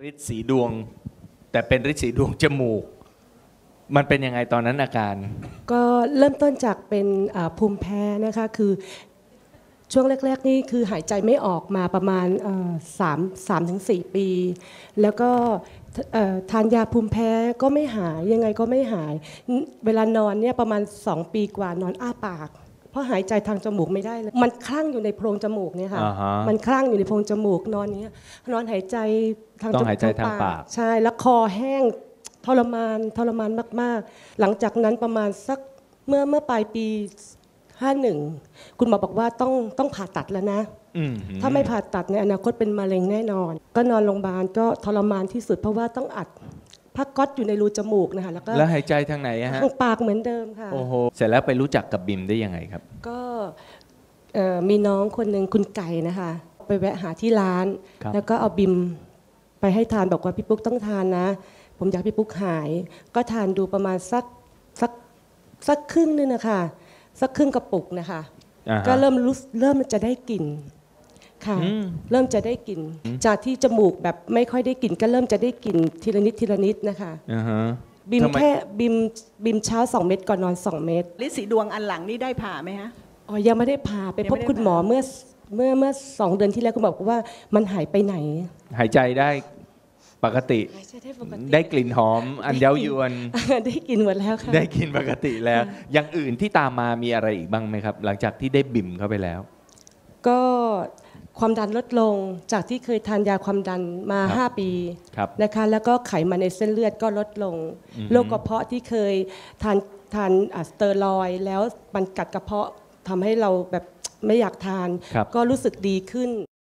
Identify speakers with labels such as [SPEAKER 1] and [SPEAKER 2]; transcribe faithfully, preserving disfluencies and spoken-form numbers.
[SPEAKER 1] ฤทธิ์สีดวงแต่เป็นฤทธิ์สีดวงจมูกมันเป็นยังไงตอนนั้นอาการ
[SPEAKER 2] ก็เริ่มต้นจากเป็นภูมิแพ้นะคะคือช่วงแรกๆนี่คือหายใจไม่ออกมาประมาณสามสามถึงสี่ปีแล้วก็ทานยาภูมิแพ้ก็ไม่หายยังไงก็ไม่หายเวลานอนเนี่ยประมาณสองปีกว่านอนอ้าปากเพราะหายใจทางจมูกไม่ได้เลยมันคลั่งอยู่ในโพรงจมูกเนี่ยค่ะ uh-huh. มันคลั่งอยู่ในโพรงจมูกนอนนี้นอนหายใจทางจมูก
[SPEAKER 1] ต้องหายใจทางปาก
[SPEAKER 2] ใช่แล้วคอแห้งทรมานทรมานมากๆหลังจากนั้นประมาณสักเมื่อเมื่อปลายปีห้าสิบเอ็ดคุณหมอบอกว่าต้องต้องผ่าตัดแล้วนะถ้าไม่ผ่าตัดในอนาคตเป็นมะเร็งแน่นอนก็นอนโรงพยาบาลก็ทรมานที่สุดเพราะว่าต้องอัดผ้าก๊อซอยู่ในรูจมูกนะคะแล้วก็
[SPEAKER 1] แล้วหายใจทางไหนฮะ
[SPEAKER 2] ทางปากเหมือนเดิมค่ะ
[SPEAKER 1] โอ้โหเสร็จแล้วไปรู้จักกับบิมได้ยังไงครับ
[SPEAKER 2] ก็มีน้องคนหนึ่งคุณไก่นะคะไปแวะหาที่ร้านแล้วก็เอาบิมไปให้ทานบอกว่าพี่ปุ๊กต้องทานนะผมอยากพี่ปุ๊กหายก็ทานดูประมาณสักสักสักครึ่งนึงนะคะสักครึ่งกระปุกนะคะ uh-huh. ก็เริ่มรู้เริ่มจะได้กลิ่นค่ะเริ่มจะได้กลิ่นจากที่จมูกแบบไม่ค่อยได้กลิ่นก็เริ่มจะได้กลิ่นทีละนิดทีละนิดนะคะ
[SPEAKER 1] uh-huh.
[SPEAKER 2] บิมแค่บิมบิมเช้าสองเม็ดก่อนนอนสองเม็ด
[SPEAKER 3] ฤทธิ์สีดวงอันหลังนี่ได้ผ่าไหมฮะ
[SPEAKER 2] อ๋อยังไม่ได้ผ่าไปพบคุณหมอเมื่อเมื่อเมื่อสองเดือนที่แล้วคุณบอกว่ามันหายไปไหน
[SPEAKER 1] หายใจได้ปกติได้กลิ่นหอมอันเย้ายวน
[SPEAKER 2] ได้กลิ่นหมดแล้วค่ะ
[SPEAKER 1] ได้กลิ่นปกติแล้วอย่างอื่นที่ตามมามีอะไรอีกบ้างไหมครับหลังจากที่ได้บิ่มเข้าไปแล้ว
[SPEAKER 2] ก็ความดันลดลงจากที่เคยทานยาความดันมาห้าปีนะคะแล้วก็ไขมันในเส้นเลือดก็ลดลงโรคกระเพาะที่เคยทานทานสเตียรอยด์แล้วมันกัดกระเพาะทำให้เราแบบไม่อยากทานก็รู้สึกดีขึ้น